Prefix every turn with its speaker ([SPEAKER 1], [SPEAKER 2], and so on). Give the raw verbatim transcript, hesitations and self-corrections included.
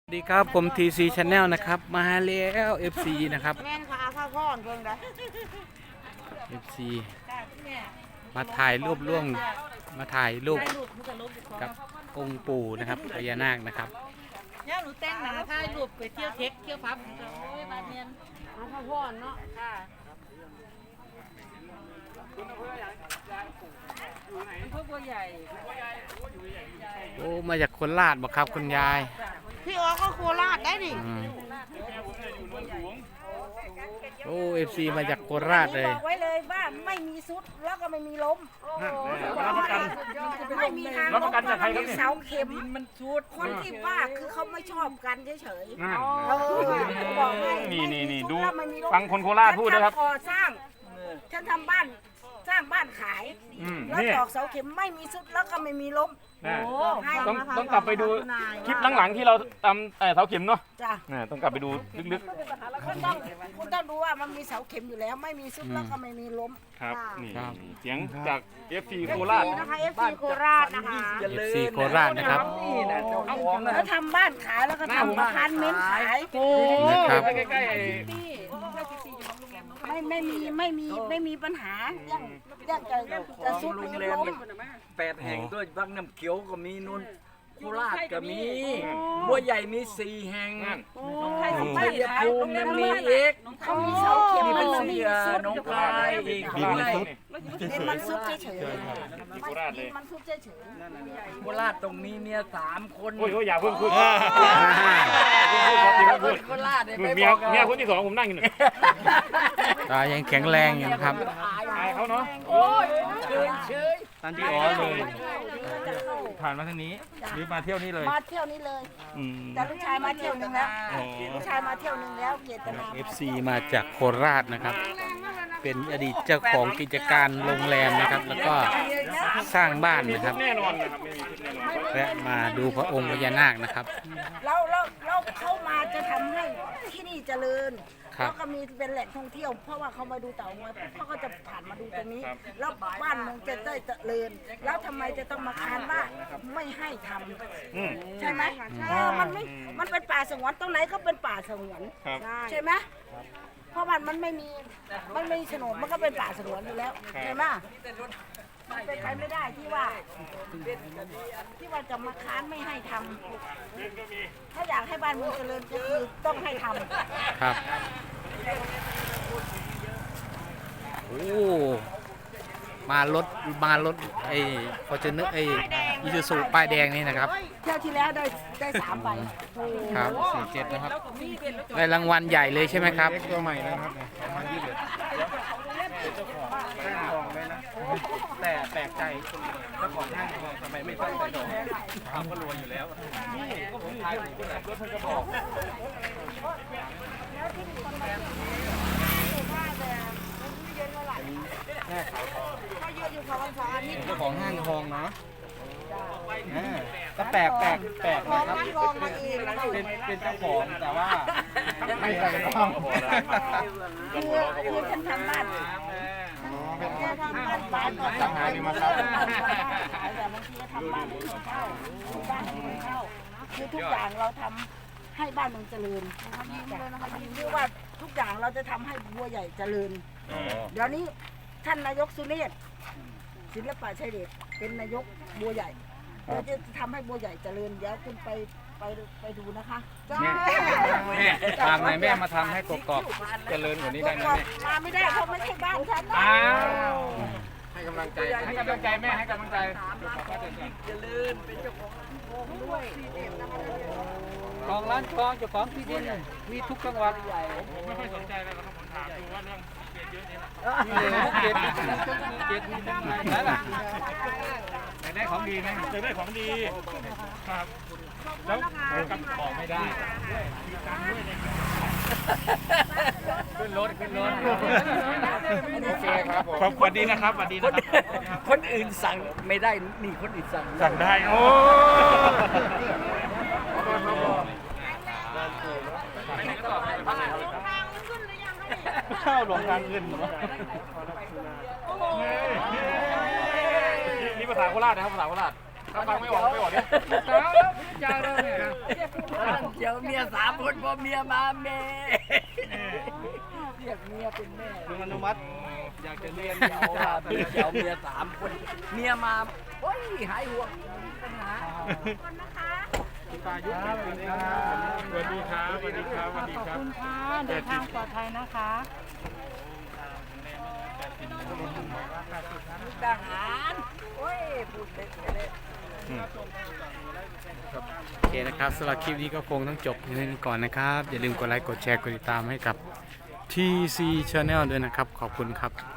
[SPEAKER 1] สวัสดีครับผม ที ซี Channel นะครับมาแล้ว เอฟ ซี นะครับ
[SPEAKER 2] แม่นค่ะข้าวก้อนเพิ่งได้
[SPEAKER 1] เอฟ ซี มาถ่ายรูปร่วมมาถ่ายรูปกับองค์ปู่นะครับพญานาคนะครับ
[SPEAKER 3] เนี่ยหนูแต่งหนาถ่ายรูปไปเที่ยวเทคเที่ยวพับโอ้ยบานเนียน
[SPEAKER 2] ข้าวก้อนเนาะ
[SPEAKER 3] ค่ะอำเภอบัวใหญ่
[SPEAKER 1] โอ้มาจากโคราชบอกครับคุณยาย
[SPEAKER 2] พี่อ๋อก็โคราชได้ดิ
[SPEAKER 1] อืมโอ้ เอฟ ซี มาจากโคราชเลย
[SPEAKER 2] บอกไว้เลยว่าไม่มีซุดแล้วก็ไม่มีล้ม
[SPEAKER 4] รับประกัน
[SPEAKER 2] ไม่มีทาง
[SPEAKER 4] รับประกันจากใครครับเนี่ย
[SPEAKER 2] เสาเข็ม
[SPEAKER 3] มันชุด
[SPEAKER 2] คนที่ว่าคือเขาไม่ชอบกันเฉย
[SPEAKER 4] นั่น
[SPEAKER 2] ๆเออบอกให้
[SPEAKER 4] นี่นี่นี่ดู
[SPEAKER 2] ไม่มีซุแล้วไม่มีล้ม
[SPEAKER 4] ฟังคนโคราชพูดนะครับ
[SPEAKER 2] ฉันทำก่อสร้างฉันทำบ้านสร้างบ้านขาย
[SPEAKER 4] อืม
[SPEAKER 2] แล้ว
[SPEAKER 4] นี่
[SPEAKER 2] ตอกเสาเข็มไม่มีซุดแล้วก็ไม่มีล้ม
[SPEAKER 4] นะ
[SPEAKER 2] ให้
[SPEAKER 4] ต้องต้องกลับไปดูคลิปหลังๆที่เราทำเอ่อเสาเข็มเนาะ
[SPEAKER 2] จ้ะ
[SPEAKER 4] นะต้องกลับไปดูลึก
[SPEAKER 2] คุณต้องคุณต้องดูว่ามันมีเสาเข็มอยู่แล้ว ไม่มีซุดแล้วก็ไม่มีล้ม
[SPEAKER 4] ๆครับนี่
[SPEAKER 1] ครับ
[SPEAKER 4] เสียงจาก เอฟ ซี โคราช
[SPEAKER 2] นะคะ เอฟ ซี โคราชนะคะ
[SPEAKER 1] เอฟ ซี โคราชนะครับ
[SPEAKER 2] แล้วทำบ้านขายแล้วก็ทำอพาร์ตเมนต์ขาย
[SPEAKER 1] นะครับ
[SPEAKER 4] ใกล้ๆไอ้
[SPEAKER 2] ไม่ไม่มีไม่มีไม่มีปัญหาเรื่องเรื่องจะจะซุดหรือล้ม
[SPEAKER 5] แปดแห่งด้วยบางน้ำเขียวก็มีนุ่นโคราชก็มีบัวใหญ่มีสี่แห่ง
[SPEAKER 4] นั่น
[SPEAKER 5] ชัยภูมิมันมีอีก
[SPEAKER 2] เขามีเสาเข็ม
[SPEAKER 5] มี
[SPEAKER 2] มั
[SPEAKER 5] เป็น น
[SPEAKER 2] ไม่
[SPEAKER 5] เสี
[SPEAKER 2] มี
[SPEAKER 5] ย
[SPEAKER 2] ซุด
[SPEAKER 5] น้องคายอีก
[SPEAKER 4] มีมันซุด
[SPEAKER 2] ดินมันซุดเฉยๆ
[SPEAKER 4] ที่โคราชเลย
[SPEAKER 2] มันซุดเฉย
[SPEAKER 5] โคราชตรงนี้เมียสามคน
[SPEAKER 4] โอ้ยโอ้ยอย่าเพิ่งพูด
[SPEAKER 5] คนโคราชเนี่ยไม่
[SPEAKER 4] เมี
[SPEAKER 5] บ
[SPEAKER 4] ย
[SPEAKER 5] อก
[SPEAKER 4] เมียคนที่สองผมนั่งอยู่เนี่ย
[SPEAKER 1] ตายังแข็งแรงอยู่นะครับ
[SPEAKER 4] อายเขาเนาะ
[SPEAKER 5] โอ้ยเชยเชย
[SPEAKER 4] ตันที่อ๋อเลย
[SPEAKER 2] ๆจะเข้า
[SPEAKER 4] ผ่านมาทางนี้หรือมาเที่ยวนี่เลย
[SPEAKER 2] มาเที่ยวนี้เลย
[SPEAKER 4] อืม
[SPEAKER 2] แต่ลูกชายมาเที่ยวหนึงแล้ว
[SPEAKER 4] อ๋อ
[SPEAKER 2] ลูกชายมาเที่ยวหนึงแล้วเจตนา
[SPEAKER 1] เอฟ ซี มาจากโคราชนะครับ เป็นอดีตเจ้าของกิจการโรงแรมนะครับ แล้วก็สร้างบ้านนะครับ
[SPEAKER 4] แน่นอนนะครับไม่มีชุดแน่นอน
[SPEAKER 1] และมาดูพระองค์พญานาคนะครับ
[SPEAKER 2] เราเราเราเข้ามาจะทำให้ที่นี่เจริญ
[SPEAKER 1] ครับ
[SPEAKER 2] แล้วก็มีเป็นแหล่งท่องเที่ยว เพราะว่าเขามาดูเต่างอยเขาก็จะผ่านมาดูตรงนี้ แล้วบ้านเมืองจะได้เจริญ แล้วทำไมจะต้องมาค้านว่าไม่ให้ทำ
[SPEAKER 4] อืม
[SPEAKER 2] ใช่ไหมเออมันไม่มันเป็นป่าสงวนตรงไหนก็เป็นป่าสงวน
[SPEAKER 4] ครับ
[SPEAKER 2] ใช่ไหมเพราะมันมันไม่มีมันไม่มีโฉนดมันก็เป็นป่าสงวนอยู่แล้วใช่ไหมมันเป็นไปไม่ได้ที่ว่า ที่ว่าจะมาค้านไม่ให้ทำถ้าอยากให้บ้านเมืองเจริญก็คือต้องให้ทำ
[SPEAKER 1] ครับ โอ้ มารถมารถไอ้พอจะนึกไอ้อิซูซูป้ายแดงนี่นะครับ
[SPEAKER 2] เที่ยวที่แล้วได้ได้สามใบ
[SPEAKER 1] ครับสี่เจ็ดนะครับ ได้รางวัลใหญ่เลยใช่ไหมครับ
[SPEAKER 4] ตัวใหม่นะครับ
[SPEAKER 5] แต่แปลกใจเจ้าของห้างทองทำไมไม่ตั้งใจดอกเขาก็รวยอยู่แล้วก็ผมขายผมก็แบบรถเพิ่งกระบอก
[SPEAKER 2] เขายืนอยู่เขาวันเสาร์อาทิตย์
[SPEAKER 5] เจ้าของห้างทองเนาะก็แปลกแปลกแปลก
[SPEAKER 2] ขอ
[SPEAKER 5] นะครับ
[SPEAKER 2] งกองมาเองนะคะ
[SPEAKER 5] เป็นเป็นเจ้าของแต่ว่า
[SPEAKER 4] ไม่ใช่ต้อง
[SPEAKER 2] คือคือฉันทำบ้านแค่ทำบ้านบ้านก่อน
[SPEAKER 4] สังหาริมทรัพย์
[SPEAKER 2] แต่บางทีก็ทำบ้านให้คนเช่าบ้านให้คนเช่าคือทุกอย่างเราทำให้บ้านเมืองเจริญยิ้มเลยนะคะยิ้มคือว่าทุกอย่างเราจะทำให้บัวใหญ่เจริญ เดี๋ยวนี้ท่านนายกสุเนศศิลปะชัยเดชเป็นนายกบัวใหญ่เราจะทำให้บัวใหญ่เจริญเดี๋ยวคุณไปไปไปดูนะคะจ้า
[SPEAKER 4] แม่ทางไหนแม่มาทำให้กกอกเจริญกว่านี้ได้ไหมแม่
[SPEAKER 2] มาไม่ได้เพราะไม่ใช่บ้านฉันนะ
[SPEAKER 4] อ้าวให้กำลังใจให้กำลังใจแม่ให้กำลังใจ
[SPEAKER 5] เจริญเป็นเจ้าของ
[SPEAKER 3] ของร้านทองเจ้าของที่ดินมีทุกจังหวัด
[SPEAKER 4] ไม่ค่อยสนใจเลยครับผมถามดูว่าเรื่องเยอะนี่นะ
[SPEAKER 3] เจ็ดเจ็ดมีทั้งไหนนั่นแหละ
[SPEAKER 4] อยากได้ของดีไหมอยากได้ของดีครับแล้วกับของไม่ได้ขึ้นรถขึ้นรถโอเคครับผมสวัสดีนะครับสวัสดีนะครับ
[SPEAKER 5] คนอื่นสั่งไม่ได้นี่คนอื่นสั่ง
[SPEAKER 4] สั่งได้โอ้ข้าวหลวงทางขึ้นเหรอนี่ภาษาโคราชนะครับภาษาโคราช
[SPEAKER 5] ถ้าฟังไม่ออกไม่ออกเนี่ย
[SPEAKER 2] เดี๋ยวเมียสามคนพอเมียมาแม่เรียกเมียเป็นแม่
[SPEAKER 5] ลุงอนุมัติอยากจะเรียน
[SPEAKER 2] เดี๋ยวว่าเดี๋ยวเมียสามคนเมียมาโอ้ยหายห่วงปัญหา
[SPEAKER 5] คุณตายุทธสวัสดีครับสวัสดีครับสวัสดีครับสวัสดี
[SPEAKER 3] ขอบ
[SPEAKER 5] ครับ
[SPEAKER 3] คุณค่ะเดินทางปลอดภัยนะคะ
[SPEAKER 2] ทหารโอ้ยพูดเล็กเลย
[SPEAKER 1] โอเคนะครับสำหรับคลิปนี้ก็คงต้องจบเพียงเท่านี้ก่อนนะครับ อย่าลืมกดไลค์กดแชร์กดติดตามให้กับ ที ซี Channel ด้วยนะครับ ขอบคุณครับ